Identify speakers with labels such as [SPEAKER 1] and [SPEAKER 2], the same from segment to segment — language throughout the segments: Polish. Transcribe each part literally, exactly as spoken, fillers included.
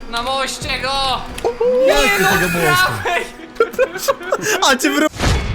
[SPEAKER 1] Na moście go!
[SPEAKER 2] Nie,
[SPEAKER 1] Nie no,
[SPEAKER 2] tego mostu.
[SPEAKER 1] prawej!
[SPEAKER 3] A cię wró...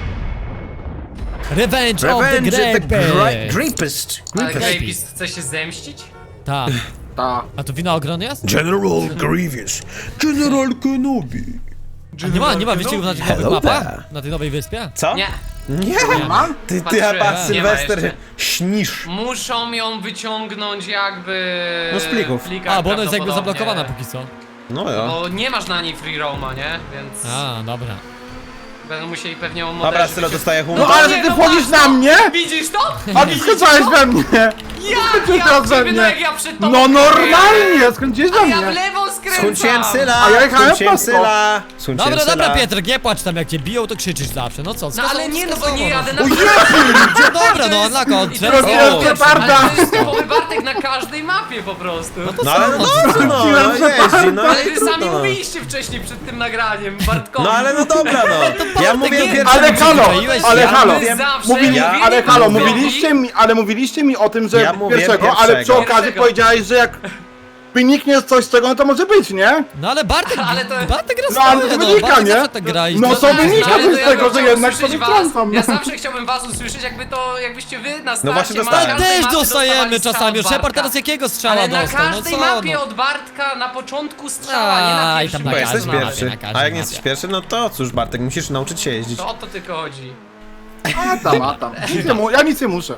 [SPEAKER 2] Revenge, of the
[SPEAKER 3] Revenge the
[SPEAKER 2] Grapist.
[SPEAKER 3] Gra- Grapist.
[SPEAKER 1] Ale
[SPEAKER 2] Grapist.
[SPEAKER 1] Grapist chce się zemścić?
[SPEAKER 2] Tak.
[SPEAKER 4] Ta.
[SPEAKER 2] A to winogron jest?
[SPEAKER 3] General Grievous. General Kenobi.
[SPEAKER 2] A nie ma, nie ma wyścigów na tych nowych
[SPEAKER 3] Hello
[SPEAKER 2] mapach?
[SPEAKER 3] there.
[SPEAKER 2] Na tej nowej wyspie?
[SPEAKER 3] Co?
[SPEAKER 1] Nie.
[SPEAKER 3] Nie.
[SPEAKER 4] Ma?
[SPEAKER 3] Ty, ty
[SPEAKER 1] Patrzyłem,
[SPEAKER 3] chyba
[SPEAKER 1] nie ma
[SPEAKER 3] Sylwester
[SPEAKER 1] jeszcze.
[SPEAKER 3] śnisz.
[SPEAKER 1] Muszą ją wyciągnąć jakby...
[SPEAKER 3] No z plików.
[SPEAKER 1] w plikach
[SPEAKER 2] A, bo ona jest jakby
[SPEAKER 1] prawdopodobnie.
[SPEAKER 2] zablokowana póki co.
[SPEAKER 3] No ja.
[SPEAKER 1] Bo nie masz na niej free roama, nie? Więc
[SPEAKER 2] A, dobra.
[SPEAKER 1] będą musieli pewnie ją
[SPEAKER 3] Dobra,
[SPEAKER 1] moderzy
[SPEAKER 3] Sylo
[SPEAKER 1] wycią-
[SPEAKER 3] dostaje
[SPEAKER 4] No
[SPEAKER 3] humor.
[SPEAKER 4] ale
[SPEAKER 1] nie,
[SPEAKER 4] że ty
[SPEAKER 1] no
[SPEAKER 4] wchodzisz
[SPEAKER 1] patrz,
[SPEAKER 4] na mnie?
[SPEAKER 1] Widzisz to?
[SPEAKER 4] A ty skoczyłeś we mnie!
[SPEAKER 1] Jak
[SPEAKER 4] Ty
[SPEAKER 1] ja
[SPEAKER 4] teraz we
[SPEAKER 1] ciebie, no
[SPEAKER 4] mnie!
[SPEAKER 1] jak ja przed tobą
[SPEAKER 4] No
[SPEAKER 1] kręcę.
[SPEAKER 4] normalnie! Skręciłeś we
[SPEAKER 1] A ja w
[SPEAKER 4] mnie!
[SPEAKER 1] lewo skręcam!
[SPEAKER 3] Skunciłem Syla!
[SPEAKER 4] A ja jechałem
[SPEAKER 3] Skunciłem
[SPEAKER 4] prosto.
[SPEAKER 3] Syla! Skunciłem
[SPEAKER 2] Dobra,
[SPEAKER 3] Syla.
[SPEAKER 2] dobra, Pietrek, nie płacz tam, jak cię biją, to krzyczysz zawsze. No co,
[SPEAKER 1] No ale nie, no bo nie jadę na...
[SPEAKER 4] O Jezu!
[SPEAKER 2] No dobra, no, na kont.
[SPEAKER 1] I to jest
[SPEAKER 4] Rozumiem,
[SPEAKER 1] pierwszy,
[SPEAKER 4] Geparda.
[SPEAKER 1] ale to jest typowy Bartek na każdej mapie po prostu.
[SPEAKER 3] No ale no dobrze, no,
[SPEAKER 4] Skunciłem
[SPEAKER 3] no jeździ, no
[SPEAKER 1] Ale
[SPEAKER 3] i
[SPEAKER 1] wy
[SPEAKER 3] trudno.
[SPEAKER 1] sami mówiliście wcześniej przed tym nagraniem, Bartkowi.
[SPEAKER 3] No ale no dobra, no. Ja mówię
[SPEAKER 2] nie-
[SPEAKER 3] pierwszy.
[SPEAKER 4] Ale halo!
[SPEAKER 2] Przyzwyczaiłeś się?
[SPEAKER 4] Ale
[SPEAKER 2] Ja
[SPEAKER 4] halo!
[SPEAKER 3] mówię-
[SPEAKER 1] Zawsze
[SPEAKER 4] Mówili,
[SPEAKER 3] Ja-
[SPEAKER 1] mówili
[SPEAKER 4] ale halo,
[SPEAKER 1] Bartkowi-
[SPEAKER 4] mówiliście mi, ale mówiliście mi o tym, że
[SPEAKER 3] Ja mówię
[SPEAKER 4] pierwszego, ale przy
[SPEAKER 3] pierwszego.
[SPEAKER 4] okazji
[SPEAKER 1] Pierwszego.
[SPEAKER 4] powiedziałeś, że jak wyniknie coś z tego, no to może być, nie?
[SPEAKER 2] No ale Bartek,
[SPEAKER 1] Ale to-
[SPEAKER 2] Bartek gra
[SPEAKER 4] No, ale to
[SPEAKER 2] swoje, no,
[SPEAKER 4] wynika,
[SPEAKER 2] Bartek
[SPEAKER 4] nie?
[SPEAKER 2] zawsze tak gra i
[SPEAKER 4] No
[SPEAKER 2] to-
[SPEAKER 4] to wynika
[SPEAKER 1] Ale
[SPEAKER 4] coś
[SPEAKER 1] to
[SPEAKER 4] z
[SPEAKER 1] ja
[SPEAKER 4] tego,
[SPEAKER 1] bym
[SPEAKER 4] że
[SPEAKER 1] chciał
[SPEAKER 4] jednak
[SPEAKER 1] usłyszeć
[SPEAKER 4] sobie
[SPEAKER 1] was.
[SPEAKER 4] wtrącam.
[SPEAKER 1] Ja zawsze chciałbym was usłyszeć, jakby to, jakbyście wy na starcie
[SPEAKER 3] No właśnie
[SPEAKER 1] na
[SPEAKER 3] dostałem.
[SPEAKER 1] każdej
[SPEAKER 2] Też
[SPEAKER 1] mapie
[SPEAKER 2] dostajemy
[SPEAKER 1] dostawali strzał
[SPEAKER 2] czasami.
[SPEAKER 1] od
[SPEAKER 2] Shepard
[SPEAKER 1] Bartka.
[SPEAKER 2] teraz jakiego strzała
[SPEAKER 1] Ale na
[SPEAKER 2] dostał? No
[SPEAKER 1] każdej
[SPEAKER 2] co
[SPEAKER 1] mapie
[SPEAKER 2] no?
[SPEAKER 1] od Bartka na początku strzała, nie na
[SPEAKER 2] Aj,
[SPEAKER 1] pierwszym.
[SPEAKER 2] tam na
[SPEAKER 3] Bo
[SPEAKER 2] każdej
[SPEAKER 3] jesteś
[SPEAKER 2] mapie,
[SPEAKER 3] pierwszy.
[SPEAKER 2] na każdej
[SPEAKER 3] A jak nie
[SPEAKER 2] mapie.
[SPEAKER 3] jesteś pierwszy, no to cóż Bartek, musisz nauczyć się jeździć.
[SPEAKER 1] To o to tylko chodzi.
[SPEAKER 4] A tam, a tam. Nic nie mu- Ja nic nie muszę.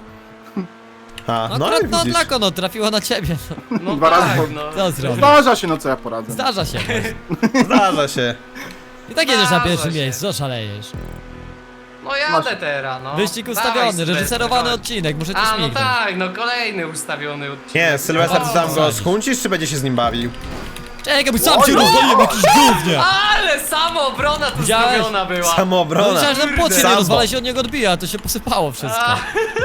[SPEAKER 3] A,
[SPEAKER 2] No,
[SPEAKER 3] no
[SPEAKER 2] no,
[SPEAKER 3] i
[SPEAKER 2] no
[SPEAKER 3] widzisz.
[SPEAKER 2] Dlako, no, trafiło na ciebie. No.
[SPEAKER 1] No
[SPEAKER 4] Dwa razy
[SPEAKER 1] tak,
[SPEAKER 4] po-
[SPEAKER 1] no.
[SPEAKER 2] Co zrobić?
[SPEAKER 4] Zdarza się, no co ja poradzę.
[SPEAKER 2] Zdarza się.
[SPEAKER 3] Zdarza się.
[SPEAKER 2] I tak jedziesz na
[SPEAKER 1] Zdarza
[SPEAKER 2] pierwszym
[SPEAKER 1] się.
[SPEAKER 2] miejscu, co szalejesz?
[SPEAKER 1] No jadę
[SPEAKER 4] Masz-
[SPEAKER 1] teraz, no.
[SPEAKER 2] Wyścig
[SPEAKER 1] Dawaj,
[SPEAKER 2] ustawiony,
[SPEAKER 1] Sylwester,
[SPEAKER 2] reżyserowany
[SPEAKER 1] chodź.
[SPEAKER 2] odcinek, muszę cię
[SPEAKER 1] A, no
[SPEAKER 2] śmignąć.
[SPEAKER 1] tak, no kolejny ustawiony odcinek.
[SPEAKER 3] Nie, Sylwester,
[SPEAKER 1] O,
[SPEAKER 3] ty tam go
[SPEAKER 2] zasadzić.
[SPEAKER 3] skuncisz, czy będzie się z nim bawił?
[SPEAKER 2] Czekaj, bo sam
[SPEAKER 4] Oj,
[SPEAKER 2] cię
[SPEAKER 4] no!
[SPEAKER 2] rozwaliłem, jakiś gównie!
[SPEAKER 1] Ale samoobrona tu
[SPEAKER 2] Widziałeś?
[SPEAKER 1] zrobiona była.
[SPEAKER 2] No
[SPEAKER 3] Samoobrona.
[SPEAKER 2] myślałem, że ten płot się nie
[SPEAKER 3] Sambo.
[SPEAKER 2] rozwala, się od niego odbija, to się posypało wszystko.
[SPEAKER 1] A,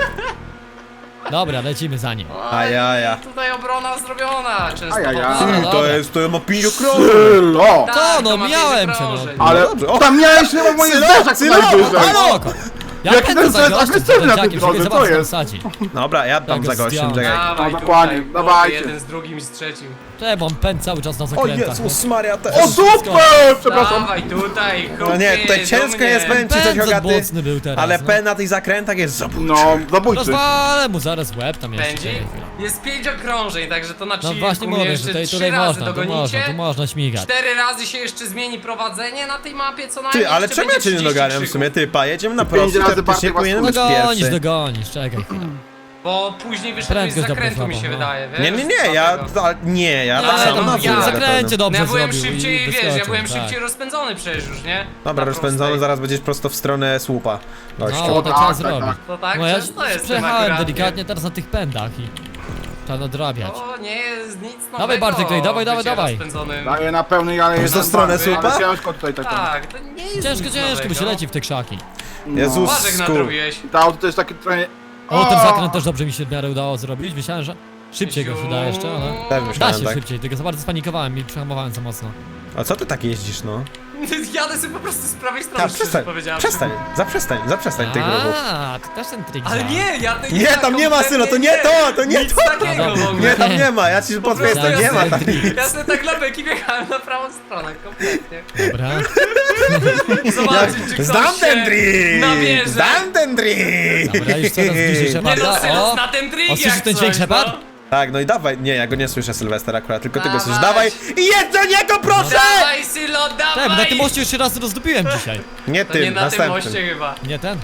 [SPEAKER 2] Dobra, lecimy za nim.
[SPEAKER 3] Ajaja.
[SPEAKER 1] Tutaj obrona zrobiona, często
[SPEAKER 4] Ajaja.
[SPEAKER 1] powtarzana.
[SPEAKER 2] Dobra,
[SPEAKER 3] To
[SPEAKER 2] dobra.
[SPEAKER 3] jest, to ma pięć okrążeń.
[SPEAKER 4] Sylo!
[SPEAKER 1] Tak,
[SPEAKER 2] Co, no,
[SPEAKER 1] to ma
[SPEAKER 2] miałem
[SPEAKER 1] pięć
[SPEAKER 2] cię, no.
[SPEAKER 1] okrążeń.
[SPEAKER 3] Ale
[SPEAKER 4] Ale
[SPEAKER 3] dobrze, o,
[SPEAKER 4] tam miałeś chyba moje
[SPEAKER 3] Sylo,
[SPEAKER 4] zderzak
[SPEAKER 3] Sylo,
[SPEAKER 4] najwyżej.
[SPEAKER 3] halo!
[SPEAKER 2] Spoko. Ja
[SPEAKER 4] Jaki
[SPEAKER 2] pędzę
[SPEAKER 4] ten
[SPEAKER 2] za
[SPEAKER 4] jest
[SPEAKER 2] gościem,
[SPEAKER 4] agresywny na
[SPEAKER 2] za
[SPEAKER 4] tej
[SPEAKER 2] dzieciakiem,
[SPEAKER 4] drodze,
[SPEAKER 2] zobacz,
[SPEAKER 4] co
[SPEAKER 2] tam
[SPEAKER 4] jest?
[SPEAKER 2] sadzi.
[SPEAKER 3] Dobra, ja tam
[SPEAKER 2] Jak
[SPEAKER 3] za
[SPEAKER 2] go
[SPEAKER 3] gościem,
[SPEAKER 2] zdjąłem.
[SPEAKER 3] czekaj.
[SPEAKER 1] Dawaj,
[SPEAKER 4] No, dokładnie,
[SPEAKER 1] tutaj,
[SPEAKER 4] dawajcie.
[SPEAKER 1] jeden z drugim i z trzecim.
[SPEAKER 2] Czemu on pędz cały czas na
[SPEAKER 3] O
[SPEAKER 2] zakrętach?
[SPEAKER 3] Jezus Maria, też.
[SPEAKER 4] O super! Przepraszam.
[SPEAKER 1] Dawaj tutaj,
[SPEAKER 3] No nie, tutaj ciężko jest pędzić coś
[SPEAKER 2] Pędz
[SPEAKER 3] Hogaty,
[SPEAKER 2] mocny był teraz,
[SPEAKER 3] ale
[SPEAKER 2] no.
[SPEAKER 3] P na tych zakrętach jest zabójczy.
[SPEAKER 4] No, zabójcy.
[SPEAKER 2] Rozwalę mu zaraz łeb tam jeszcze.
[SPEAKER 1] Pędzi?
[SPEAKER 2] czekaj chwilę.
[SPEAKER 1] Jest pięć okrążeń, także to na
[SPEAKER 2] No
[SPEAKER 1] chillku
[SPEAKER 2] właśnie
[SPEAKER 1] mnie
[SPEAKER 2] mówię,
[SPEAKER 1] jeszcze
[SPEAKER 2] że tutaj,
[SPEAKER 1] trzy
[SPEAKER 2] tutaj
[SPEAKER 1] razy
[SPEAKER 2] można, tu
[SPEAKER 1] dogonicie.
[SPEAKER 2] można, tu można śmigać.
[SPEAKER 1] Cztery razy się jeszcze zmieni prowadzenie na tej mapie, co najmniej.
[SPEAKER 3] Ty, ale
[SPEAKER 1] jeszcze
[SPEAKER 3] czemu ja
[SPEAKER 1] będzie
[SPEAKER 3] cię nie
[SPEAKER 1] trzydzieści
[SPEAKER 3] doganiam w
[SPEAKER 1] krzyków.
[SPEAKER 3] sumie? Ty, pa, jedziemy na
[SPEAKER 4] Pięć
[SPEAKER 3] prostym,
[SPEAKER 4] razy
[SPEAKER 3] teoretycznie
[SPEAKER 4] Bartek
[SPEAKER 3] powinien
[SPEAKER 4] was
[SPEAKER 3] być
[SPEAKER 2] Dogonisz,
[SPEAKER 3] pierwszy.
[SPEAKER 2] dogonisz, czekaj chwilę.
[SPEAKER 1] Bo później wyszedłeś z
[SPEAKER 2] Prędkość
[SPEAKER 1] zakrętu, mi
[SPEAKER 2] dobra
[SPEAKER 1] się
[SPEAKER 2] słaba, no.
[SPEAKER 1] wydaje, wiesz?
[SPEAKER 3] Nie, nie, nie, ja,
[SPEAKER 1] Dlatego.
[SPEAKER 3] a, nie, ja
[SPEAKER 2] Nie,
[SPEAKER 3] tak
[SPEAKER 1] ale
[SPEAKER 3] samo
[SPEAKER 1] no,
[SPEAKER 3] na
[SPEAKER 1] ja-
[SPEAKER 3] wóz
[SPEAKER 2] w
[SPEAKER 3] jadę
[SPEAKER 2] zakręcie
[SPEAKER 3] pełnym.
[SPEAKER 2] dobrze
[SPEAKER 1] No ja byłem
[SPEAKER 2] zrobił
[SPEAKER 1] szybciej,
[SPEAKER 2] i
[SPEAKER 1] wiesz, ja
[SPEAKER 2] wyskoczył,
[SPEAKER 1] byłem
[SPEAKER 2] tak.
[SPEAKER 1] szybciej rozpędzony przecież już, nie?
[SPEAKER 3] Dobra,
[SPEAKER 1] Na
[SPEAKER 3] rozpędzony,
[SPEAKER 1] prostej.
[SPEAKER 3] zaraz będziesz prosto w stronę słupa. Gościu.
[SPEAKER 2] No, tak
[SPEAKER 4] tak,
[SPEAKER 2] trzeba
[SPEAKER 4] tak,
[SPEAKER 2] zrobić.
[SPEAKER 4] tak.
[SPEAKER 1] To tak,
[SPEAKER 2] No ja
[SPEAKER 1] często jestem
[SPEAKER 2] przejechałem
[SPEAKER 1] akurat,
[SPEAKER 2] delikatnie teraz na tych pędach i trzeba nadrabiać.
[SPEAKER 1] To nie jest nic nowego.
[SPEAKER 2] Dawaj, Bartek, tutaj, dawaj, dawaj,
[SPEAKER 1] bycie
[SPEAKER 2] dawaj.
[SPEAKER 1] rozpędzonym.
[SPEAKER 4] Daję na pełnej, ale jest
[SPEAKER 3] w stronę
[SPEAKER 4] ale
[SPEAKER 3] słupa?
[SPEAKER 4] ciężko tutaj tak.
[SPEAKER 1] Tak, to nie jest
[SPEAKER 2] Ciężko,
[SPEAKER 1] nic
[SPEAKER 2] ciężko, bo się
[SPEAKER 1] nowego.
[SPEAKER 2] leci w te krzaki.
[SPEAKER 3] Jezus,
[SPEAKER 1] Uważek
[SPEAKER 3] skur.
[SPEAKER 1] nadrobiłeś.
[SPEAKER 4] To auto to jest takie trochę...
[SPEAKER 2] O, ten zakręt też dobrze mi się w miarę udało zrobić. Myślałem, że szybciej go się da jeszcze, ale...
[SPEAKER 3] Też
[SPEAKER 2] Da
[SPEAKER 3] myślałem
[SPEAKER 2] się
[SPEAKER 3] tak.
[SPEAKER 2] szybciej, tylko za bardzo spanikowałem i przehamowałem za mocno.
[SPEAKER 3] A co ty tak jeździsz, no?
[SPEAKER 1] Jadę sobie po prostu z prawej strony,
[SPEAKER 3] Tak,
[SPEAKER 1] szczerze
[SPEAKER 3] przestań,
[SPEAKER 1] powiedziawszy.
[SPEAKER 3] przestań, zaprzestań, zaprzestań tych ruchów.
[SPEAKER 2] A, to też ten trik
[SPEAKER 1] Ale
[SPEAKER 2] działa.
[SPEAKER 1] nie, ja tej
[SPEAKER 3] Nie, tam nie ma Sylo, to nie to, to nie
[SPEAKER 1] Nic
[SPEAKER 3] to!
[SPEAKER 1] takiego
[SPEAKER 2] No
[SPEAKER 1] w ogóle.
[SPEAKER 3] Nie, tam nie ma, ja ci
[SPEAKER 1] Po
[SPEAKER 3] potwierdzę,
[SPEAKER 1] prostu
[SPEAKER 3] nie
[SPEAKER 1] ja
[SPEAKER 3] ma
[SPEAKER 1] sobie-
[SPEAKER 3] tam nic.
[SPEAKER 1] Ja sobie tak dla beki wjechałem na prawą stronę, kompletnie.
[SPEAKER 2] Dobra.
[SPEAKER 1] Zobaczyć, czy ktoś
[SPEAKER 3] Zdam
[SPEAKER 1] się
[SPEAKER 3] ten trik!
[SPEAKER 1] nabierze.
[SPEAKER 3] Zdam ten trik!
[SPEAKER 2] Dobra, już coraz bliżej
[SPEAKER 1] Nie no,
[SPEAKER 2] Sheparda.
[SPEAKER 1] Sylo
[SPEAKER 2] O!
[SPEAKER 1] na ten trik
[SPEAKER 2] O, słyszysz
[SPEAKER 1] jak
[SPEAKER 2] ten
[SPEAKER 1] coś,
[SPEAKER 2] dźwięk, Shepard?
[SPEAKER 1] no.
[SPEAKER 3] Tak, no i dawaj, nie, ja go nie słyszę, Sylwester akurat, tylko ty go słyszysz.
[SPEAKER 1] Dawaj.
[SPEAKER 3] Dawaj i jedź do niego, proszę!
[SPEAKER 1] Dawaj, Sylo,
[SPEAKER 2] Tak, bo na
[SPEAKER 1] dawaj!
[SPEAKER 2] tym moście już się raz rozdupiłem dzisiaj.
[SPEAKER 3] Nie
[SPEAKER 1] To nie
[SPEAKER 3] tym,
[SPEAKER 1] na tym
[SPEAKER 3] następnym.
[SPEAKER 1] moście chyba.
[SPEAKER 2] Nie ten?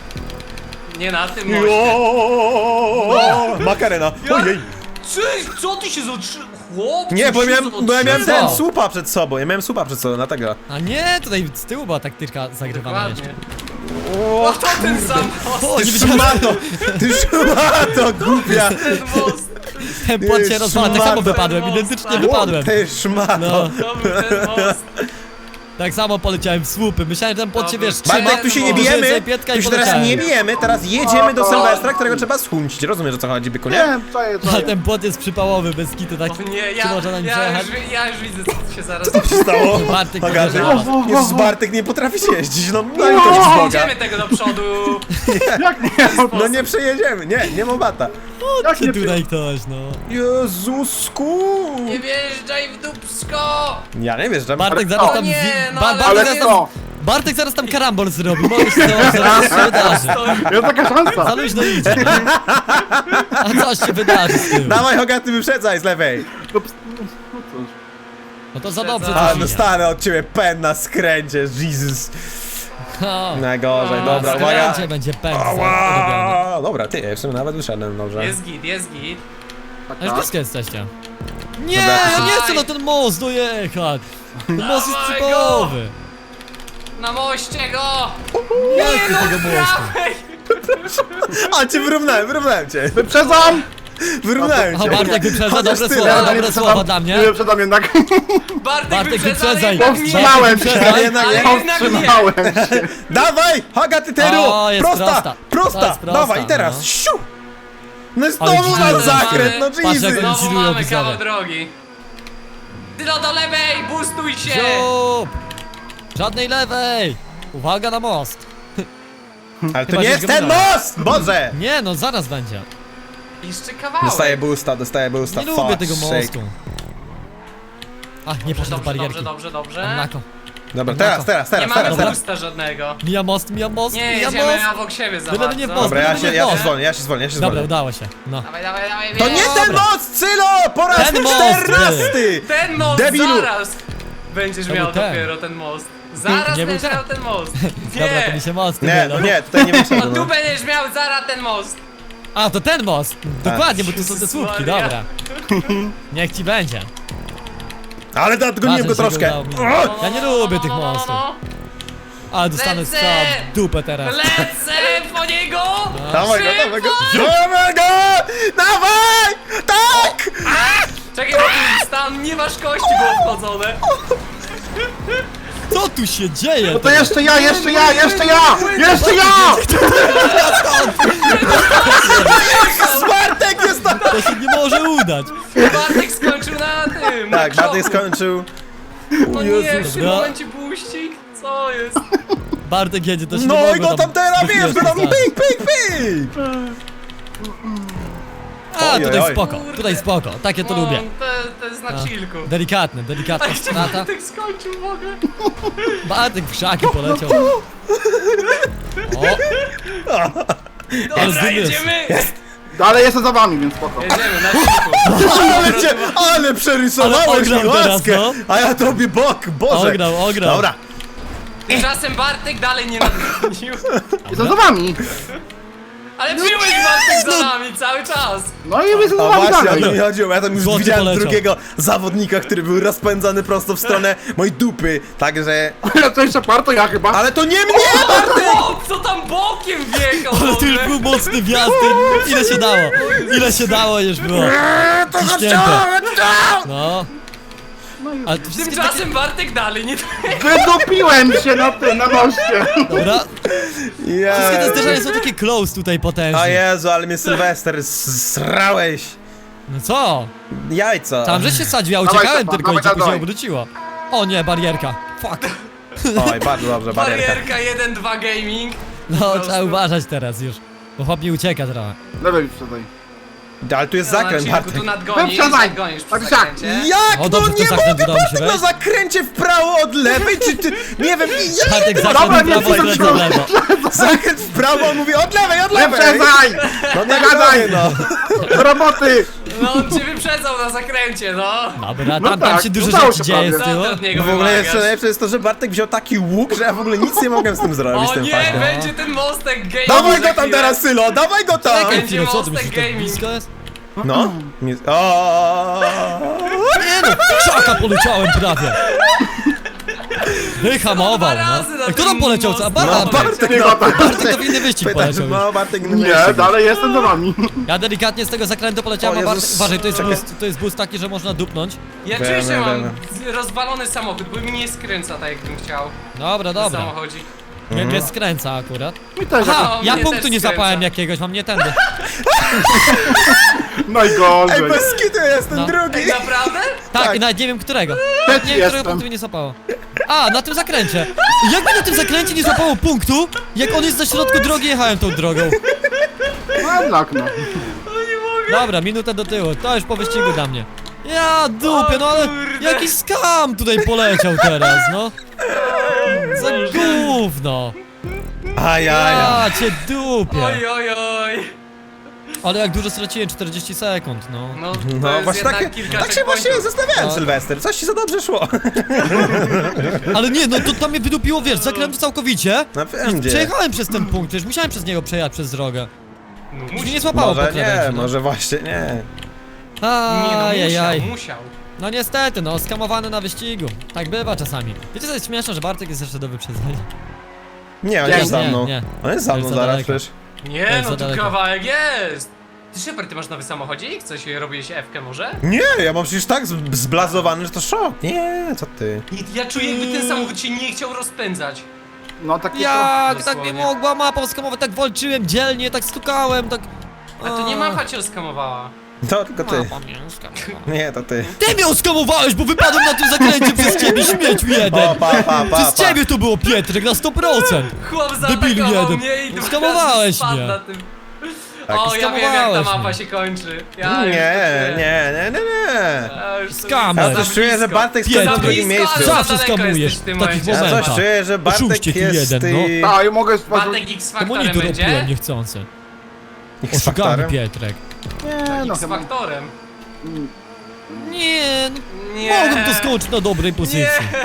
[SPEAKER 1] Nie na tym moście.
[SPEAKER 3] Jo! Makarena, ojej!
[SPEAKER 1] Cześć, co ty się zatrzy... Chłop,
[SPEAKER 3] Nie,
[SPEAKER 1] co
[SPEAKER 3] bo,
[SPEAKER 1] się
[SPEAKER 3] miałem, bo ja miałem ten
[SPEAKER 2] Co?
[SPEAKER 3] słupa przed sobą, ja miałem słupa przed sobą, dlatego.
[SPEAKER 2] A nie, tutaj z tyłu była taktyczka zagrywana jeszcze.
[SPEAKER 1] Dokładnie. O, to ten sam most,
[SPEAKER 2] O,
[SPEAKER 3] Ty
[SPEAKER 2] nie widziałem,
[SPEAKER 3] szmato, ty szmato, głupia!
[SPEAKER 1] ten most.
[SPEAKER 2] ten płot się
[SPEAKER 3] Ty
[SPEAKER 2] rozwala, tak
[SPEAKER 3] szmato.
[SPEAKER 2] samo wypadłem, identycznie wypadłem.
[SPEAKER 3] Ty szmato!
[SPEAKER 2] No,
[SPEAKER 1] To był ten most.
[SPEAKER 2] tak samo poleciałem w słupy. Myślałem, że ten płot się, wiesz, trzyma.
[SPEAKER 3] Bartek, tu się nie
[SPEAKER 1] Może
[SPEAKER 3] bijemy,
[SPEAKER 2] pietka
[SPEAKER 3] tu
[SPEAKER 2] i
[SPEAKER 3] się teraz
[SPEAKER 2] poleciałem.
[SPEAKER 3] nie bijemy, teraz jedziemy do Sylwestra, którego trzeba schuncić. Rozumiesz, o co chodzi, byku, nie?
[SPEAKER 4] Nie, co jest, co
[SPEAKER 2] A
[SPEAKER 4] jest.
[SPEAKER 2] ten płot jest przypałowy, bez kitu, tak.
[SPEAKER 1] O nie,
[SPEAKER 2] Czy
[SPEAKER 1] ja,
[SPEAKER 2] można na nim
[SPEAKER 1] ja,
[SPEAKER 2] przejechać?
[SPEAKER 1] już, wi- ja już widzę, co się zaraz...
[SPEAKER 3] Co się stało?
[SPEAKER 2] Bartek
[SPEAKER 3] Hogarty?
[SPEAKER 2] podjeżdża na was.
[SPEAKER 3] Jezus, Bartek nie potrafi się jeździć, no no i to z Boga.
[SPEAKER 1] Idziemy tego do przodu.
[SPEAKER 4] Jak nie?
[SPEAKER 3] No nie przejedziemy, nie, nie ma bata.
[SPEAKER 4] Jak
[SPEAKER 2] Czy
[SPEAKER 4] nie
[SPEAKER 2] tutaj ktoś, no.
[SPEAKER 3] Jezusku!
[SPEAKER 1] Nie wjeżdżaj w dupsko!
[SPEAKER 3] Ja nie wjeżdżam.
[SPEAKER 2] Bartek
[SPEAKER 4] Ale
[SPEAKER 2] zaraz
[SPEAKER 4] co?
[SPEAKER 2] tam...
[SPEAKER 1] Nie,
[SPEAKER 2] wi-
[SPEAKER 1] no
[SPEAKER 2] Ba-
[SPEAKER 1] ale-
[SPEAKER 2] Bartek,
[SPEAKER 4] Ale
[SPEAKER 2] zaraz
[SPEAKER 4] co?
[SPEAKER 2] Bartek zaraz tam karambol zrobi, możesz to zaraz się wydarzy.
[SPEAKER 4] Jest taka szansa.
[SPEAKER 2] Za luźno idzie. A coś się wydarzy z tyłu.
[SPEAKER 3] Dawaj, Hogaty, wyprzedzaj z lewej.
[SPEAKER 4] No, ps- no cóż.
[SPEAKER 2] No to za dobrze
[SPEAKER 3] A,
[SPEAKER 2] coś idzie.
[SPEAKER 3] dostanę od ciebie pen na skręcie, Jesus.
[SPEAKER 2] O,
[SPEAKER 3] Najgorzej,
[SPEAKER 1] A,
[SPEAKER 3] dobra,
[SPEAKER 2] na
[SPEAKER 3] uwaga.
[SPEAKER 2] skręcie będzie pędz robiony.
[SPEAKER 3] Ała! Dobra, ty, w sumie nawet wyszedłem, dobrze.
[SPEAKER 1] Jest git, jest git.
[SPEAKER 4] Tak,
[SPEAKER 2] A już
[SPEAKER 4] tak.
[SPEAKER 2] blisko jesteście. Nie,
[SPEAKER 3] Dobra,
[SPEAKER 2] ja nie
[SPEAKER 1] dawaj.
[SPEAKER 2] chcę na ten most dojechać. Ten most jest
[SPEAKER 1] Dawaj
[SPEAKER 2] typowy.
[SPEAKER 1] Na moście go!
[SPEAKER 2] Nie chcę tego mostu.
[SPEAKER 1] Prawej!
[SPEAKER 3] A, cię wyrównałem, wyrównałem cię.
[SPEAKER 4] Wyprzedzam!
[SPEAKER 3] Wyrównałem
[SPEAKER 2] A
[SPEAKER 3] cię.
[SPEAKER 2] Bartek wyprzedza,
[SPEAKER 3] Chociaż
[SPEAKER 2] dobre
[SPEAKER 3] tyle,
[SPEAKER 2] słowa,
[SPEAKER 3] ale
[SPEAKER 2] dobre
[SPEAKER 4] wyprzedzam.
[SPEAKER 2] słowa dla mnie.
[SPEAKER 4] Nie wyprzedzam jednak.
[SPEAKER 1] Bartek,
[SPEAKER 2] Bartek,
[SPEAKER 1] wyprzedza, ale
[SPEAKER 2] wyprzedzaj.
[SPEAKER 1] jednak nie.
[SPEAKER 4] Powstrzymałem
[SPEAKER 2] Bartek,
[SPEAKER 4] się.
[SPEAKER 2] wyprzedzaj.
[SPEAKER 3] Jednak
[SPEAKER 1] Ale
[SPEAKER 3] nie.
[SPEAKER 1] jednak nie.
[SPEAKER 4] Powstrzymałem się.
[SPEAKER 3] Dawaj, Hogaty, Teru!
[SPEAKER 2] O, jest
[SPEAKER 3] prosta,
[SPEAKER 2] prosta.
[SPEAKER 3] prosta,
[SPEAKER 2] To jest prosta,
[SPEAKER 3] dawaj, teraz,
[SPEAKER 2] no.
[SPEAKER 3] siu! No i
[SPEAKER 2] Ale
[SPEAKER 3] znowu
[SPEAKER 2] dziwne,
[SPEAKER 3] na
[SPEAKER 2] że
[SPEAKER 3] zakręt, no
[SPEAKER 1] mamy-
[SPEAKER 2] Patrz, jak
[SPEAKER 3] Jesus!
[SPEAKER 2] oni
[SPEAKER 1] Znowu
[SPEAKER 2] zilują
[SPEAKER 1] mamy kawał
[SPEAKER 2] widzowie.
[SPEAKER 1] drogi. Tylo do lewej, boostuj się!
[SPEAKER 2] Ziup! Żadnej lewej. Uwaga na most.
[SPEAKER 3] Ale to
[SPEAKER 2] Chyba
[SPEAKER 3] nie
[SPEAKER 2] się
[SPEAKER 3] jest ten
[SPEAKER 2] zgadzają.
[SPEAKER 3] most! Boże!
[SPEAKER 2] Nie no, zaraz będzie.
[SPEAKER 1] Jeszcze kawałek.
[SPEAKER 3] Dostaję boosta, dostaję boosta,
[SPEAKER 2] Nie
[SPEAKER 3] fuck
[SPEAKER 2] lubię tego
[SPEAKER 3] sake.
[SPEAKER 2] mostu. A, nie poszedł w
[SPEAKER 1] Dobrze,
[SPEAKER 2] barierki.
[SPEAKER 1] dobrze, dobrze, dobrze.
[SPEAKER 2] Nako.
[SPEAKER 3] Dobra, teraz, teraz,
[SPEAKER 1] Nie
[SPEAKER 3] teraz,
[SPEAKER 1] mamy
[SPEAKER 3] teraz,
[SPEAKER 2] Dobra.
[SPEAKER 3] teraz.
[SPEAKER 1] boosta żadnego.
[SPEAKER 2] Mija most, mija most,
[SPEAKER 1] Nie,
[SPEAKER 2] mija
[SPEAKER 1] jedziemy
[SPEAKER 2] most.
[SPEAKER 1] obok siebie za
[SPEAKER 2] Byle
[SPEAKER 1] bardzo.
[SPEAKER 2] nie w most.
[SPEAKER 3] Dobra, ja się, ja się
[SPEAKER 2] Dobra.
[SPEAKER 3] zwolnię, ja się zwolnię, ja się
[SPEAKER 2] Dobra,
[SPEAKER 3] zwolnię.
[SPEAKER 2] udało się. No.
[SPEAKER 1] Dawaj, dawaj, dawaj,
[SPEAKER 3] To nie ten
[SPEAKER 2] Dobra.
[SPEAKER 3] most, Cylo! Po raz
[SPEAKER 2] Ten most
[SPEAKER 3] czternasty!
[SPEAKER 1] Ten most
[SPEAKER 3] Debilu.
[SPEAKER 1] zaraz! Będziesz
[SPEAKER 2] To
[SPEAKER 1] miał
[SPEAKER 2] był ten.
[SPEAKER 1] dopiero ten most. Zaraz
[SPEAKER 2] Nie był
[SPEAKER 1] będziesz
[SPEAKER 2] ten.
[SPEAKER 1] miał ten most.
[SPEAKER 2] Dobra, to mi się most
[SPEAKER 3] Nie,
[SPEAKER 2] mylą.
[SPEAKER 3] no nie, tutaj nie
[SPEAKER 1] No
[SPEAKER 3] wyszedłem.
[SPEAKER 1] tu
[SPEAKER 3] No.
[SPEAKER 1] będziesz miał zaraz ten most.
[SPEAKER 2] A, to ten most. Dokładnie, bo tu są te
[SPEAKER 1] Jezus
[SPEAKER 2] słupki,
[SPEAKER 1] Maria.
[SPEAKER 2] dobra. Niech ci będzie.
[SPEAKER 3] Ale nadgoniłem go
[SPEAKER 2] Ważne, że
[SPEAKER 3] troszkę.
[SPEAKER 2] go udało mi.
[SPEAKER 3] O!
[SPEAKER 2] Ja nie lubię tych
[SPEAKER 1] No, no, no,
[SPEAKER 2] mostów.
[SPEAKER 1] no.
[SPEAKER 2] Ale dostanę
[SPEAKER 1] Lecę!
[SPEAKER 2] strzał w dupę teraz.
[SPEAKER 1] Lecę po niego!
[SPEAKER 3] Dawaj go,
[SPEAKER 1] Szybko!
[SPEAKER 3] dawaj go! Dawaj go! Dawaj! Tak!
[SPEAKER 1] Czekaj, bo tu tam nie masz kości było wchodzone.
[SPEAKER 2] Co tu się dzieje?
[SPEAKER 4] No to jeszcze ja, jeszcze ja, jeszcze ja! Jeszcze ja!
[SPEAKER 3] Bartek jest tam!
[SPEAKER 2] To się nie może udać.
[SPEAKER 1] Bartek skończył na tym.
[SPEAKER 3] Tak,
[SPEAKER 1] na
[SPEAKER 3] Bartek
[SPEAKER 1] krzoku.
[SPEAKER 3] skończył.
[SPEAKER 1] No nie,
[SPEAKER 3] Jezus.
[SPEAKER 1] w tym
[SPEAKER 2] Dobra.
[SPEAKER 1] momencie buścik? Co jest?
[SPEAKER 2] Bartek jedzie, to się nie
[SPEAKER 3] No i
[SPEAKER 2] mogło
[SPEAKER 3] go tam teraz,
[SPEAKER 2] zbyt
[SPEAKER 3] wiesz, go
[SPEAKER 2] wiele
[SPEAKER 3] tam
[SPEAKER 2] stać.
[SPEAKER 3] pik, pik, pik!
[SPEAKER 2] A,
[SPEAKER 3] Oj,
[SPEAKER 2] tutaj
[SPEAKER 3] oj, oj.
[SPEAKER 2] spoko,
[SPEAKER 1] Kurde.
[SPEAKER 2] tutaj spoko. Takie to
[SPEAKER 1] No,
[SPEAKER 2] lubię.
[SPEAKER 1] To, to jest na
[SPEAKER 2] A.
[SPEAKER 1] chillku.
[SPEAKER 2] Delikatne, delikatna
[SPEAKER 1] Gdzie
[SPEAKER 2] strata.
[SPEAKER 1] Bartek skończył w ogóle?
[SPEAKER 2] Bartek w krzaki poleciał. O,
[SPEAKER 1] Dobra,
[SPEAKER 2] zdymiesz.
[SPEAKER 1] jedziemy!
[SPEAKER 4] Dalej jestem za wami, więc spoko.
[SPEAKER 1] Jedziemy na chillku.
[SPEAKER 3] Ale cię, ale
[SPEAKER 2] Ale
[SPEAKER 3] przerysowałeś mi
[SPEAKER 2] ograł teraz,
[SPEAKER 3] łaskę!
[SPEAKER 2] no.
[SPEAKER 3] A ja tobie bok, Boże!
[SPEAKER 2] ograł, ograł.
[SPEAKER 3] Dobra,
[SPEAKER 1] Tymczasem Bartek dalej nie nadgonił.
[SPEAKER 4] Jestem za wami!
[SPEAKER 1] Ale byłeś Bartek za nami cały czas.
[SPEAKER 4] No i jestem za
[SPEAKER 3] a
[SPEAKER 4] wami
[SPEAKER 3] właśnie, o to mi
[SPEAKER 4] dalej.
[SPEAKER 3] chodziło, ja tam już
[SPEAKER 2] Złoty
[SPEAKER 3] widziałem
[SPEAKER 2] poleciał.
[SPEAKER 3] drugiego zawodnika, który był rozpędzany prosto w stronę mojej dupy, także...
[SPEAKER 4] To jeszcze par, to ja chyba.
[SPEAKER 3] Ale to nie mnie!
[SPEAKER 1] O, co tam bokiem wjechał w
[SPEAKER 2] Ale to już
[SPEAKER 1] ogóle?
[SPEAKER 2] był mocny wjazd, ty- ile się dało? Ile się dało już było?
[SPEAKER 3] To
[SPEAKER 2] Ciśnięte.
[SPEAKER 3] chciałem!
[SPEAKER 2] No. Ale to wszystkie takie...
[SPEAKER 1] Tymczasem Bartek dalej nie
[SPEAKER 4] Wydupiłem się na tym, na moście.
[SPEAKER 2] Dobra, wszystkie te
[SPEAKER 3] Jezu.
[SPEAKER 2] zderzenia są takie close tutaj
[SPEAKER 3] O
[SPEAKER 2] potężne.
[SPEAKER 3] Jezu, ale mnie Sylwester s- srałeś!
[SPEAKER 2] No co?
[SPEAKER 3] Jajca!
[SPEAKER 2] Tam, że się sadził, ja
[SPEAKER 4] Dawaj,
[SPEAKER 2] uciekałem
[SPEAKER 4] Stefan,
[SPEAKER 2] tylko i
[SPEAKER 4] dawaj,
[SPEAKER 2] cię później
[SPEAKER 4] dawaj.
[SPEAKER 2] obróciło. O nie, barierka. Fuck.
[SPEAKER 3] Oj, bardzo dobrze, barierka.
[SPEAKER 1] Barierka jeden dwa gaming.
[SPEAKER 2] No,
[SPEAKER 1] prostu.
[SPEAKER 2] trzeba uważać teraz już. Bo chłop mi ucieka trochę.
[SPEAKER 4] Lewej wyprzedzaj.
[SPEAKER 3] Ale tu jest
[SPEAKER 1] Na
[SPEAKER 3] zakręt,
[SPEAKER 1] chillku
[SPEAKER 3] Bartek.
[SPEAKER 1] tu nadgonisz,
[SPEAKER 4] Wyprzedzaj.
[SPEAKER 1] nadgonisz przy
[SPEAKER 4] Tak, tak.
[SPEAKER 1] zakręcie.
[SPEAKER 3] Jak?
[SPEAKER 2] O,
[SPEAKER 3] No
[SPEAKER 2] dobrze,
[SPEAKER 3] nie
[SPEAKER 2] to zakręt
[SPEAKER 3] mogę,
[SPEAKER 2] udało mi się
[SPEAKER 3] Bartek, na
[SPEAKER 2] wejść.
[SPEAKER 3] zakręcie w prawo od lewej, czy ty... Nie wiem, ja...
[SPEAKER 2] Bartek
[SPEAKER 4] Dobra,
[SPEAKER 2] zakręt w
[SPEAKER 4] nie
[SPEAKER 2] prawo,
[SPEAKER 4] chcę
[SPEAKER 2] zakręt w lewo.
[SPEAKER 3] Zakręt w prawo, on mówi od lewej, od lewej!
[SPEAKER 4] Wyprzedzaj!
[SPEAKER 3] No nie
[SPEAKER 4] Zagadaj!
[SPEAKER 3] gadaj, no.
[SPEAKER 4] Do roboty!
[SPEAKER 1] No on cię wyprzedzał na zakręcie, no.
[SPEAKER 2] Dobra,
[SPEAKER 4] No
[SPEAKER 2] tam, tam
[SPEAKER 4] tak,
[SPEAKER 2] się dużo
[SPEAKER 4] udało
[SPEAKER 2] rzeczy
[SPEAKER 4] się
[SPEAKER 2] dzieje z
[SPEAKER 4] prawie.
[SPEAKER 2] tyłu.
[SPEAKER 1] Co ty od niego
[SPEAKER 3] W ogóle jeszcze
[SPEAKER 1] wymagasz?
[SPEAKER 3] najlepsze jest to, że Bartek wziął taki łuk, że ja w ogóle nic nie mogłem z tym zrobić, z
[SPEAKER 1] O
[SPEAKER 3] tym
[SPEAKER 1] nie,
[SPEAKER 3] faktem.
[SPEAKER 1] będzie ten mostek gaming.
[SPEAKER 3] Dawaj
[SPEAKER 1] za
[SPEAKER 3] go tam
[SPEAKER 1] chwilę.
[SPEAKER 3] teraz, Sylo, dawaj go tam!
[SPEAKER 1] Czekaj.
[SPEAKER 2] Chwilę, co ty
[SPEAKER 1] Mostek
[SPEAKER 2] myślisz, że tak
[SPEAKER 1] gaming.
[SPEAKER 2] blisko jest?
[SPEAKER 3] No. Nie- O.
[SPEAKER 2] Nie no, krzaka poleciałem prawie. Wyhamował,
[SPEAKER 1] Dwa
[SPEAKER 2] no.
[SPEAKER 1] razy na
[SPEAKER 2] A kto tam
[SPEAKER 1] tym
[SPEAKER 2] poleciał? Co? A
[SPEAKER 1] mostem.
[SPEAKER 2] Bartek,
[SPEAKER 3] No,
[SPEAKER 2] Bartek,
[SPEAKER 3] Bartek,
[SPEAKER 4] Nie
[SPEAKER 3] no.
[SPEAKER 4] ma tak.
[SPEAKER 2] Bartek to w inny wyścig
[SPEAKER 3] Pytasz,
[SPEAKER 2] poleciał już.
[SPEAKER 3] no, Bartek nie
[SPEAKER 4] Nie, dalej jestem za wami.
[SPEAKER 2] Ja delikatnie z tego zakrętu poleciałem,
[SPEAKER 3] O
[SPEAKER 2] a Bartek...
[SPEAKER 3] Jezus.
[SPEAKER 2] Uważaj, to jest
[SPEAKER 3] Czekaj.
[SPEAKER 2] boost, to jest boost taki, że można dupnąć.
[SPEAKER 1] Ja
[SPEAKER 3] Wiem,
[SPEAKER 1] czuję, że
[SPEAKER 3] wiem,
[SPEAKER 1] mam
[SPEAKER 3] wiem.
[SPEAKER 1] rozwalony samochód, bo mi nie skręca tak jakbym chciał.
[SPEAKER 2] Dobra,
[SPEAKER 1] W
[SPEAKER 2] dobra.
[SPEAKER 1] samochodzi.
[SPEAKER 2] Mnie, mnie skręca akurat.
[SPEAKER 4] Mi też.
[SPEAKER 2] Aha,
[SPEAKER 1] No,
[SPEAKER 2] ja
[SPEAKER 1] mnie
[SPEAKER 2] punktu
[SPEAKER 1] też
[SPEAKER 2] nie
[SPEAKER 1] skręca.
[SPEAKER 2] zapałem jakiegoś, mam nie tędy.
[SPEAKER 4] Najgorzej.
[SPEAKER 3] Ej, bez kitu jestem
[SPEAKER 2] No.
[SPEAKER 3] drugi!
[SPEAKER 1] Ej, naprawdę?
[SPEAKER 2] Tak,
[SPEAKER 3] Tak.
[SPEAKER 2] i nawet nie wiem którego.
[SPEAKER 4] Trzeci
[SPEAKER 2] Nie wiem, którego
[SPEAKER 4] jestem.
[SPEAKER 2] punktu mi nie złapało. A, na tym zakręcie. Jak mi na tym zakręcie nie złapało punktu, jak on jest na środku drogi, jechałem tą drogą.
[SPEAKER 4] No jednak no.
[SPEAKER 1] No nie mogę.
[SPEAKER 2] Dobra, minutę do tyłu, to już po wyścigu dla mnie. Ja dupie, no ale
[SPEAKER 1] O kurde.
[SPEAKER 2] jaki skam tutaj poleciał teraz, no. Za gówno.
[SPEAKER 3] Ajaja.
[SPEAKER 2] Ja cię dupię.
[SPEAKER 1] Oj, oj, oj.
[SPEAKER 2] Ale jak dużo straciłem, czterdzieści sekund, no.
[SPEAKER 1] No, to
[SPEAKER 3] No
[SPEAKER 1] jest
[SPEAKER 3] właśnie
[SPEAKER 1] jednak
[SPEAKER 3] tak,
[SPEAKER 1] kilka
[SPEAKER 3] tak się właśnie
[SPEAKER 1] checkpointów.
[SPEAKER 3] zastanawiałem,
[SPEAKER 2] No.
[SPEAKER 3] Sylwester. Coś ci za dobrze szło.
[SPEAKER 2] Ale nie, no to tam mnie wydupiło, wiesz, zakrętu całkowicie.
[SPEAKER 3] No
[SPEAKER 2] I
[SPEAKER 3] wiem gdzie.
[SPEAKER 2] przejechałem przez ten punkt, już musiałem przez niego przejechać przez drogę.
[SPEAKER 1] No,
[SPEAKER 2] Już mnie
[SPEAKER 1] musi...
[SPEAKER 2] nie złapało po
[SPEAKER 3] Może
[SPEAKER 2] krawędzi,
[SPEAKER 3] nie,
[SPEAKER 2] no.
[SPEAKER 3] może właśnie nie.
[SPEAKER 1] Nie no,
[SPEAKER 2] Ajajaj.
[SPEAKER 1] musiał, musiał.
[SPEAKER 2] No niestety, no, skamowany na wyścigu. Tak bywa czasami. Wiecie co jest śmieszne, że Bartek jest jeszcze do wyprzedzenia?
[SPEAKER 3] Nie, on
[SPEAKER 4] Nie,
[SPEAKER 3] jest za
[SPEAKER 2] nie,
[SPEAKER 3] mną.
[SPEAKER 2] nie.
[SPEAKER 3] On jest za
[SPEAKER 2] To
[SPEAKER 3] mną
[SPEAKER 2] jest za
[SPEAKER 3] zaraz
[SPEAKER 2] daleko.
[SPEAKER 3] przecież.
[SPEAKER 1] Nie
[SPEAKER 2] jest
[SPEAKER 1] no,
[SPEAKER 2] za
[SPEAKER 1] tu
[SPEAKER 2] daleko.
[SPEAKER 1] kawałek jest. Ty Shepard, ty masz nowy samochodzik? Coś robiłeś F-kę może?
[SPEAKER 3] Nie, ja mam przecież tak z- zblazowany, że to szok. Nie, co ty?
[SPEAKER 1] Nie, ja czuję, jakby ten samochód się nie chciał rozpędzać.
[SPEAKER 4] No takie
[SPEAKER 2] Jak tak
[SPEAKER 1] dosłownie.
[SPEAKER 2] nie mogła mapa skamować, tak walczyłem dzielnie, tak stukałem, tak...
[SPEAKER 1] A to nie mapa cię rozkamowała.
[SPEAKER 3] To tylko ty.
[SPEAKER 2] Mapa mnie skamowała.
[SPEAKER 3] Nie, to ty.
[SPEAKER 2] Ty mnie oskamowałeś, bo wypadłem na tym zakręcie przez ciebie, śmieciu jeden!
[SPEAKER 3] O, pa, pa, pa,
[SPEAKER 2] Przez
[SPEAKER 3] pa.
[SPEAKER 2] ciebie to było, Pietrek, na sto procent!
[SPEAKER 1] Chłop
[SPEAKER 2] Debilu
[SPEAKER 1] zaatakował
[SPEAKER 2] jeden.
[SPEAKER 1] mnie i drugi
[SPEAKER 2] Skamowałeś
[SPEAKER 1] raz spadł
[SPEAKER 2] mnie.
[SPEAKER 1] na tym.
[SPEAKER 3] Tak,
[SPEAKER 1] O, ja wiem jak ta
[SPEAKER 2] skamowałeś
[SPEAKER 1] mapa
[SPEAKER 2] mnie.
[SPEAKER 1] się kończy. Ja już
[SPEAKER 3] Nie,
[SPEAKER 1] to
[SPEAKER 3] nie, nie, nie, nie.
[SPEAKER 1] Ja już to
[SPEAKER 2] Skam.
[SPEAKER 3] Ja
[SPEAKER 1] widzę.
[SPEAKER 3] coś
[SPEAKER 1] Za
[SPEAKER 3] czuję, że
[SPEAKER 1] blisko.
[SPEAKER 3] Bartek stoi
[SPEAKER 2] Pierdol.
[SPEAKER 3] na drugim
[SPEAKER 1] Za blisko,
[SPEAKER 3] miejscu.
[SPEAKER 1] ale za
[SPEAKER 2] Zawsze
[SPEAKER 1] daleko
[SPEAKER 2] skamujesz
[SPEAKER 1] jesteś w tym
[SPEAKER 2] w takich
[SPEAKER 1] momencie.
[SPEAKER 3] Ja
[SPEAKER 2] momentach.
[SPEAKER 3] coś czuję, że Bartek
[SPEAKER 2] Oszuście ty
[SPEAKER 3] jest...
[SPEAKER 2] jeden, no.
[SPEAKER 3] y,
[SPEAKER 4] A, ja mogę...
[SPEAKER 1] Bartek
[SPEAKER 2] To
[SPEAKER 1] X-Faktorem
[SPEAKER 2] monitor
[SPEAKER 1] będzie?
[SPEAKER 2] robiłem niechcący. Oszukany
[SPEAKER 3] X-faktorem?
[SPEAKER 2] Pietrek.
[SPEAKER 4] Nie, no chyba...
[SPEAKER 1] X-Faktorem.
[SPEAKER 2] Nie, no,
[SPEAKER 1] Nie.
[SPEAKER 2] mogłem to skończyć na dobrej pozycji.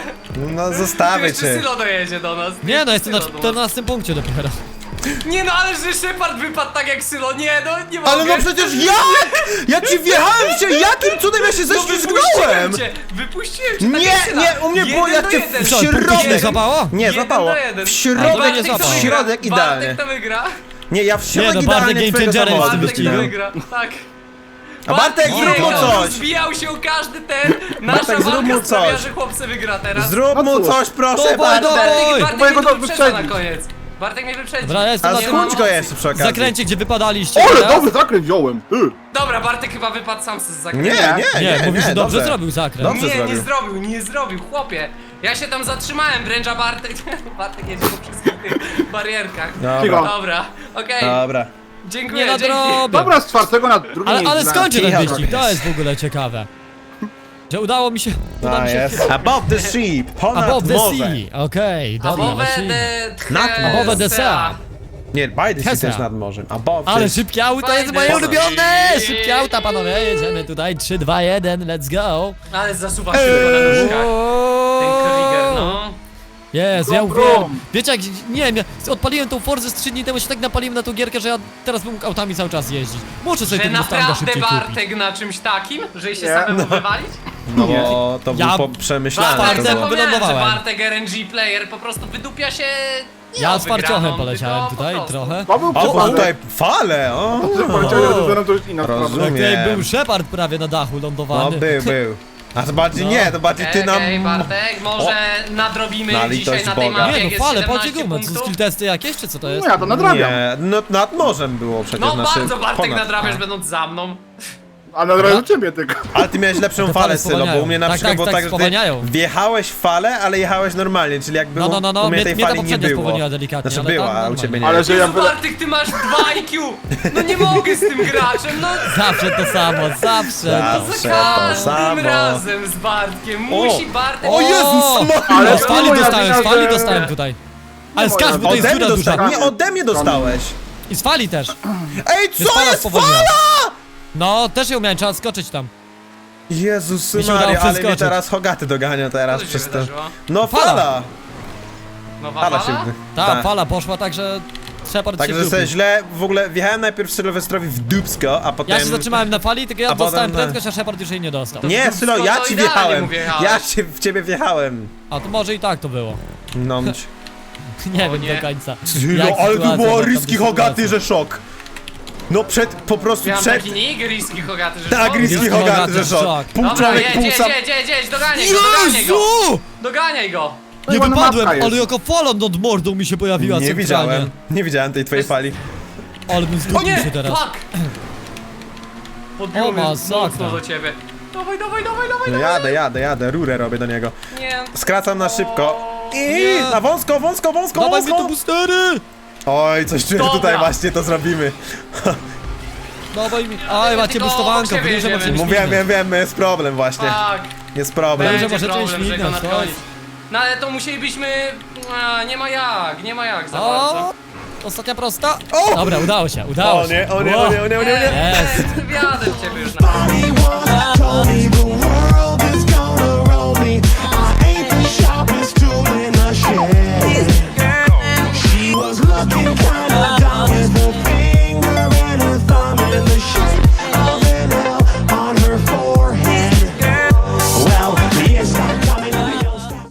[SPEAKER 3] No
[SPEAKER 1] Tu
[SPEAKER 3] zostawię
[SPEAKER 1] jeszcze
[SPEAKER 3] cię.
[SPEAKER 1] Sylo dojedzie do nas.
[SPEAKER 2] Nie no, jestem na
[SPEAKER 1] Sylo do nas.
[SPEAKER 2] czternastym punkcie dopiero.
[SPEAKER 1] Nie no, ale że Shepard wypadł tak jak Sylo. Nie no, nie mogę.
[SPEAKER 3] Ale no przecież jak? Ja ci wjechałem się, jakim cudem ja się
[SPEAKER 1] No
[SPEAKER 3] ześlizgnąłem?
[SPEAKER 1] wypuściłem cię, wypuściłem cię tak
[SPEAKER 3] Nie,
[SPEAKER 1] jak Syla.
[SPEAKER 3] nie, u mnie było
[SPEAKER 1] Jeden
[SPEAKER 3] jak
[SPEAKER 1] do
[SPEAKER 3] cię
[SPEAKER 1] jeden.
[SPEAKER 3] w
[SPEAKER 2] Co, punkty ci nie
[SPEAKER 3] środek.
[SPEAKER 2] złapało?
[SPEAKER 3] Nie,
[SPEAKER 1] Jeden
[SPEAKER 3] złapało.
[SPEAKER 1] do jeden.
[SPEAKER 3] W
[SPEAKER 2] A,
[SPEAKER 3] środek,
[SPEAKER 2] to nie
[SPEAKER 1] Bartek to
[SPEAKER 2] złapało.
[SPEAKER 3] w
[SPEAKER 1] wygra.
[SPEAKER 3] środek idealnie.
[SPEAKER 1] Bartek to wygra.
[SPEAKER 3] Nie, ja w środek
[SPEAKER 2] no,
[SPEAKER 3] idealnie
[SPEAKER 2] Bartek
[SPEAKER 3] twojego
[SPEAKER 2] game changerem
[SPEAKER 3] samochodu
[SPEAKER 2] jest w tym
[SPEAKER 1] Bartek to
[SPEAKER 3] wcinałem.
[SPEAKER 1] wygra, tak.
[SPEAKER 3] A Bartek, zrób mu
[SPEAKER 1] nie,
[SPEAKER 3] coś!
[SPEAKER 1] Zbijał się o każdy ten. Nasza
[SPEAKER 3] Bartek, zrób mu
[SPEAKER 1] walka sprawia,
[SPEAKER 3] coś.
[SPEAKER 1] że chłopcy wygra teraz.
[SPEAKER 3] Zrób
[SPEAKER 4] No
[SPEAKER 3] mu
[SPEAKER 4] cóż.
[SPEAKER 3] coś, proszę
[SPEAKER 2] Dawaj,
[SPEAKER 3] bardzo.
[SPEAKER 2] dawaj.
[SPEAKER 1] Bartek,
[SPEAKER 4] Mojego
[SPEAKER 1] Bartek mnie
[SPEAKER 4] to
[SPEAKER 1] wyprzedza na
[SPEAKER 4] wyprzedzić.
[SPEAKER 1] koniec. Bartek mnie wyprzedzi.
[SPEAKER 2] Dobra, ja jestem
[SPEAKER 3] A
[SPEAKER 2] na
[SPEAKER 1] nie
[SPEAKER 2] tym
[SPEAKER 1] ma
[SPEAKER 3] skądś go
[SPEAKER 1] mocy.
[SPEAKER 3] jeszcze przy okazji.
[SPEAKER 2] zakręcie, gdzie wypadaliście.
[SPEAKER 4] Ole,
[SPEAKER 2] teraz.
[SPEAKER 4] dobry zakręt wziąłem! Ty.
[SPEAKER 1] Dobra, Bartek chyba wypadł sam z
[SPEAKER 3] Nie,
[SPEAKER 1] zakrętu.
[SPEAKER 3] nie, nie,
[SPEAKER 2] Nie, mówisz, że dobrze
[SPEAKER 3] dobrze.
[SPEAKER 2] zrobił zakręt.
[SPEAKER 3] Dobrze
[SPEAKER 1] Nie, nie
[SPEAKER 3] zrobił.
[SPEAKER 1] zrobił, nie zrobił, chłopie. Ja się tam zatrzymałem, wręcz a Bartek... Bartek jedzie po wszystkich tych barierkach.
[SPEAKER 3] Dobra,
[SPEAKER 4] Cicho.
[SPEAKER 1] Dobra, okej.
[SPEAKER 3] dobra.
[SPEAKER 1] Dziękuję,
[SPEAKER 2] Nie
[SPEAKER 1] dzięki.
[SPEAKER 2] nadrobię.
[SPEAKER 4] Dobra, z czwartego na drugi
[SPEAKER 2] Ale, ale
[SPEAKER 4] miejsce.
[SPEAKER 2] skończę ten
[SPEAKER 3] Cicho,
[SPEAKER 2] wyścig, to
[SPEAKER 3] jest.
[SPEAKER 2] jest w ogóle ciekawe. Że udało mi się... Udało
[SPEAKER 3] A
[SPEAKER 2] mi się
[SPEAKER 3] jest. Above the sheep, ponad
[SPEAKER 2] Above the
[SPEAKER 3] morze.
[SPEAKER 2] sea, okej, dobra,
[SPEAKER 1] Above
[SPEAKER 2] lecimy.
[SPEAKER 1] the...
[SPEAKER 3] Nad-
[SPEAKER 2] Above the sea.
[SPEAKER 3] Nie, by the sea
[SPEAKER 2] Hesa.
[SPEAKER 3] też nad morzem. Above
[SPEAKER 2] Ale
[SPEAKER 3] the...
[SPEAKER 2] szybkie auta jest
[SPEAKER 1] Fajne.
[SPEAKER 2] moje ulubione! Szybkie auta, panowie, jedziemy tutaj, trzy, dwa, jeden, let's go!
[SPEAKER 1] Ale zasuwa się tylko na nóżkach. Ten Krieger,
[SPEAKER 2] Wow.
[SPEAKER 1] no.
[SPEAKER 2] Jezu, ja
[SPEAKER 4] Brum,
[SPEAKER 2] uwielbiam.
[SPEAKER 4] brum.
[SPEAKER 2] Wiecie jak, nie wiem, ja odpaliłem tą Forzę z trzy dni temu, się tak napaliłem na tą gierkę, że ja teraz bym mógł autami cały czas jeździć. Muszę sobie
[SPEAKER 1] Że
[SPEAKER 2] ten Mustanga
[SPEAKER 1] naprawdę
[SPEAKER 2] szybciej kupić.
[SPEAKER 1] Bartek na czymś takim, że się
[SPEAKER 4] Nie.
[SPEAKER 1] samemu wywalić?
[SPEAKER 3] No bo to
[SPEAKER 2] Ja-
[SPEAKER 3] był po- przemyślane.
[SPEAKER 2] Bartek
[SPEAKER 3] to
[SPEAKER 1] Bartek,
[SPEAKER 3] było.
[SPEAKER 1] zapomniałem, że
[SPEAKER 2] wylądowałem.
[SPEAKER 1] Bartek R N G player po prostu wydupia się... Nie
[SPEAKER 2] Ja
[SPEAKER 1] o
[SPEAKER 2] z farciochem
[SPEAKER 1] wygraną,
[SPEAKER 2] poleciałem
[SPEAKER 1] tylko po
[SPEAKER 2] tutaj
[SPEAKER 1] prostu.
[SPEAKER 2] trochę.
[SPEAKER 4] To był
[SPEAKER 3] O, bo
[SPEAKER 4] popadek.
[SPEAKER 3] tutaj fale, o.
[SPEAKER 4] Że poleciałem do zenem, to już inna sprawa.
[SPEAKER 3] Rozumiem.
[SPEAKER 2] Tak tutaj
[SPEAKER 3] Wiem.
[SPEAKER 2] był Shepard prawie na dachu
[SPEAKER 3] No
[SPEAKER 2] lądowany.
[SPEAKER 3] był, był. A to bardziej
[SPEAKER 2] No.
[SPEAKER 3] nie, to bardziej ty nam...
[SPEAKER 1] Okej, Bartek, może nadrobimy
[SPEAKER 3] Na
[SPEAKER 1] dzisiaj
[SPEAKER 3] litość
[SPEAKER 1] na tej
[SPEAKER 3] Boga.
[SPEAKER 1] mapie,
[SPEAKER 2] Nie
[SPEAKER 1] jak
[SPEAKER 2] no,
[SPEAKER 1] jest
[SPEAKER 2] fale, patrzcie
[SPEAKER 1] siedemnaście
[SPEAKER 2] gumę, to są
[SPEAKER 1] punktów.
[SPEAKER 2] skill testy jakieś, czy co to jest?
[SPEAKER 4] No ja to nadrabiam.
[SPEAKER 3] Nie, no nad morzem było przecież
[SPEAKER 1] No
[SPEAKER 3] nasze...
[SPEAKER 1] bardzo Bartek
[SPEAKER 3] ponad.
[SPEAKER 1] nadrabiasz będąc za mną.
[SPEAKER 4] A nadrabiam ciebie tylko.
[SPEAKER 3] Ale ty miałeś lepszą
[SPEAKER 2] Te
[SPEAKER 3] falę,
[SPEAKER 2] fale
[SPEAKER 3] Sylo, bo
[SPEAKER 2] spowalniają.
[SPEAKER 3] u mnie na
[SPEAKER 2] Tak,
[SPEAKER 3] przykład
[SPEAKER 2] tak,
[SPEAKER 3] było
[SPEAKER 2] tak,
[SPEAKER 3] tak, że ty
[SPEAKER 2] spowalniają.
[SPEAKER 3] wjechałeś w falę, ale jechałeś normalnie, czyli jakby
[SPEAKER 2] No, no, no, no,
[SPEAKER 3] u mnie
[SPEAKER 2] mnie-
[SPEAKER 3] tej
[SPEAKER 2] mnie ta
[SPEAKER 3] fali nie
[SPEAKER 2] poprzednia
[SPEAKER 3] było.
[SPEAKER 2] spowolniła delikatnie,
[SPEAKER 3] Znaczy
[SPEAKER 2] ale
[SPEAKER 3] była,
[SPEAKER 2] tam
[SPEAKER 3] a u
[SPEAKER 2] normalnie.
[SPEAKER 3] ciebie nie.
[SPEAKER 4] Ale że ja...
[SPEAKER 1] Jezu, Bartek, ty masz dwa I Q! No nie mogę z tym graczem, no
[SPEAKER 2] Zawsze to samo, zawsze to.
[SPEAKER 3] Zawsze
[SPEAKER 1] za
[SPEAKER 3] to
[SPEAKER 1] każdym
[SPEAKER 3] samo.
[SPEAKER 1] razem z Bartkiem. Musi Bartek...
[SPEAKER 3] O Jezus Maria!
[SPEAKER 4] Ale
[SPEAKER 2] Z fali
[SPEAKER 4] moja
[SPEAKER 2] dostałem, z
[SPEAKER 4] wina,
[SPEAKER 2] fali
[SPEAKER 4] że-
[SPEAKER 2] dostałem tutaj. Ale z
[SPEAKER 4] moja
[SPEAKER 2] każdy to jest
[SPEAKER 3] Ode mnie
[SPEAKER 2] dziura duża.
[SPEAKER 3] dostałeś, nie ode mnie dostałeś.
[SPEAKER 2] I z fali też.
[SPEAKER 3] Ej,
[SPEAKER 2] Jest
[SPEAKER 3] co
[SPEAKER 2] fala
[SPEAKER 3] jest
[SPEAKER 2] spowolniona.
[SPEAKER 3] fala?
[SPEAKER 2] No, też ją miałem, trzeba skoczyć tam.
[SPEAKER 3] Jezus
[SPEAKER 2] Mi się udało
[SPEAKER 3] Maria, ale mnie
[SPEAKER 2] przeskoczyć.
[SPEAKER 3] teraz Hogaty dogania teraz
[SPEAKER 1] Co się
[SPEAKER 3] przez to.
[SPEAKER 1] wydarzyło?
[SPEAKER 3] No
[SPEAKER 2] Fala.
[SPEAKER 3] fala!
[SPEAKER 1] Nowa
[SPEAKER 3] Fala
[SPEAKER 1] fala?
[SPEAKER 3] się...
[SPEAKER 2] Ta
[SPEAKER 3] tak.
[SPEAKER 2] fala poszła tak, że Shepard się
[SPEAKER 3] Także
[SPEAKER 2] wdupił.
[SPEAKER 3] sobie źle, w ogóle wjechałem najpierw Sylwestrowi w dupsko, a potem...
[SPEAKER 2] Ja się zatrzymałem na fali, tylko ja
[SPEAKER 3] A potem
[SPEAKER 2] dostałem
[SPEAKER 3] na-
[SPEAKER 2] prędkość, a Shepard już jej nie dostał.
[SPEAKER 3] Nie,
[SPEAKER 1] w
[SPEAKER 3] Sylo,
[SPEAKER 1] dupsko
[SPEAKER 3] ja
[SPEAKER 1] to
[SPEAKER 3] ci
[SPEAKER 1] idealnie
[SPEAKER 3] wjechałem.
[SPEAKER 1] mu wjechałeś.
[SPEAKER 3] Ja cię, w ciebie wjechałem.
[SPEAKER 2] A to może i tak to było.
[SPEAKER 3] No.
[SPEAKER 2] Nie
[SPEAKER 1] O
[SPEAKER 2] wiem
[SPEAKER 1] nie.
[SPEAKER 2] do końca.
[SPEAKER 3] Sylo,
[SPEAKER 2] Jak
[SPEAKER 3] ale to
[SPEAKER 2] sytuacja,
[SPEAKER 3] było
[SPEAKER 2] jak tam
[SPEAKER 3] riski
[SPEAKER 2] sytuacja.
[SPEAKER 3] Hogaty, że szok. No przed, po prostu
[SPEAKER 1] Miałem
[SPEAKER 3] przed...
[SPEAKER 1] taki nick, riski Hogaty, że
[SPEAKER 3] Tak,
[SPEAKER 1] szok.
[SPEAKER 3] riski
[SPEAKER 2] Riski
[SPEAKER 3] Hogaty,
[SPEAKER 2] Hogaty,
[SPEAKER 3] że szok.
[SPEAKER 2] szok.
[SPEAKER 3] Pół
[SPEAKER 1] Dobra,
[SPEAKER 3] człowiek,
[SPEAKER 1] jedź,
[SPEAKER 3] pół
[SPEAKER 1] jedź,
[SPEAKER 3] sam...
[SPEAKER 1] jedź, jedź, jedź, doganiaj go, doganiaj go!
[SPEAKER 2] Jezu!
[SPEAKER 1] Doganiaj go!
[SPEAKER 2] Nie
[SPEAKER 4] ładna
[SPEAKER 2] wypadłem,
[SPEAKER 4] mapka jest.
[SPEAKER 2] ale jako fala nad mordą mi się pojawiła
[SPEAKER 3] Nie
[SPEAKER 2] centralnie.
[SPEAKER 3] widziałem, nie widziałem tej twojej fali.
[SPEAKER 2] Ale bym
[SPEAKER 1] O
[SPEAKER 2] zgubił
[SPEAKER 1] nie,
[SPEAKER 2] się teraz.
[SPEAKER 1] fuck! Podbiło
[SPEAKER 2] O,
[SPEAKER 1] mnie
[SPEAKER 2] masakra.
[SPEAKER 1] mocno do ciebie. Dawaj, dawaj, dawaj, dawaj,
[SPEAKER 3] No
[SPEAKER 1] dawaj!
[SPEAKER 3] jadę, jadę, jadę, rurę robię do niego.
[SPEAKER 1] Nie.
[SPEAKER 3] Skracam na szybko. I
[SPEAKER 2] Nie.
[SPEAKER 3] na wąsko, wąsko, wąsko,
[SPEAKER 2] Dawaj mi tu
[SPEAKER 3] wąsko.
[SPEAKER 2] boostery!
[SPEAKER 3] Oj, coś czuję, że
[SPEAKER 1] Dobra.
[SPEAKER 3] tutaj właśnie to zrobimy.
[SPEAKER 2] Dawaj mi. Aj, macie
[SPEAKER 1] tylko
[SPEAKER 2] bustowanko,
[SPEAKER 1] obok siebie
[SPEAKER 2] w duże
[SPEAKER 1] jedziemy.
[SPEAKER 2] możecie
[SPEAKER 3] Mówiłem, wiem, wiem, jest problem właśnie.
[SPEAKER 1] Tak,
[SPEAKER 3] Jest problem.
[SPEAKER 2] Będzie
[SPEAKER 1] będzie
[SPEAKER 2] możecie
[SPEAKER 1] problem, że go
[SPEAKER 2] śmignąć,
[SPEAKER 1] nadgonić.
[SPEAKER 2] chodź.
[SPEAKER 1] No ale to musielibyśmy... A, nie ma jak, nie ma jak za bardzo.
[SPEAKER 2] O! Ostatnia prosta.
[SPEAKER 3] O!
[SPEAKER 2] Dobra, udało się, udało
[SPEAKER 3] O
[SPEAKER 2] się.
[SPEAKER 3] nie, o nie,
[SPEAKER 2] Wow.
[SPEAKER 3] o nie, o nie, o nie, o nie.
[SPEAKER 1] Eee,
[SPEAKER 2] Jest.
[SPEAKER 1] Wjadę w ciebie już na...
[SPEAKER 5] Body was